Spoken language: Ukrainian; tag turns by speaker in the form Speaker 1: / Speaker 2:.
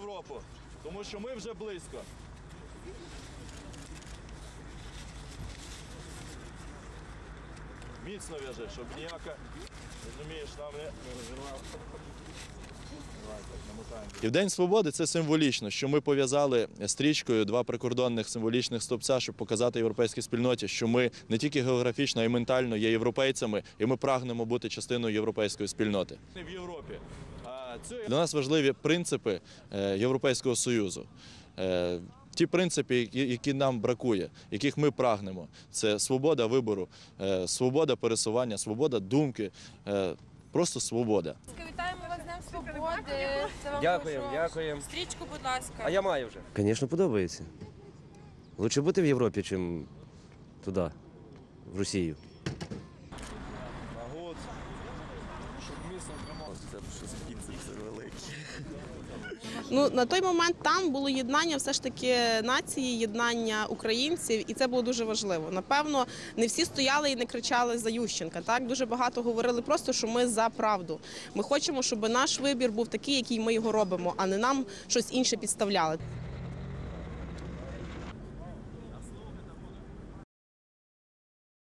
Speaker 1: Європу, тому що ми вже близько. Міцно в'яжи, щоб ніяка, розумієш, нам не розірвав. І в День Свободи це символічно, що ми пов'язали стрічкою два прикордонних символічних стовпця, щоб показати європейській спільноті, що ми не тільки географічно, а й ментально є європейцями, і ми прагнемо бути частиною європейської спільноти. В Європі. Для нас важливі принципи Європейського Союзу. Ті принципи, які нам бракує, яких ми прагнемо. Це свобода вибору, свобода пересування, свобода думки, просто свобода.
Speaker 2: Вітаємо вас з Днем Свободи.
Speaker 3: Дякуємо.
Speaker 2: Стрічку, будь ласка.
Speaker 3: А я маю вже.
Speaker 4: Звісно, подобається. Лучше бути в Європі, ніж туди, в Росію.
Speaker 5: Ну, на той момент там було єднання все ж таки нації, єднання українців, і це було дуже важливо. Напевно, не всі стояли і не кричали за Ющенка. Так, дуже багато говорили просто, що ми за правду. Ми хочемо, щоб наш вибір був такий, який ми його робимо, а не нам щось інше підставляли.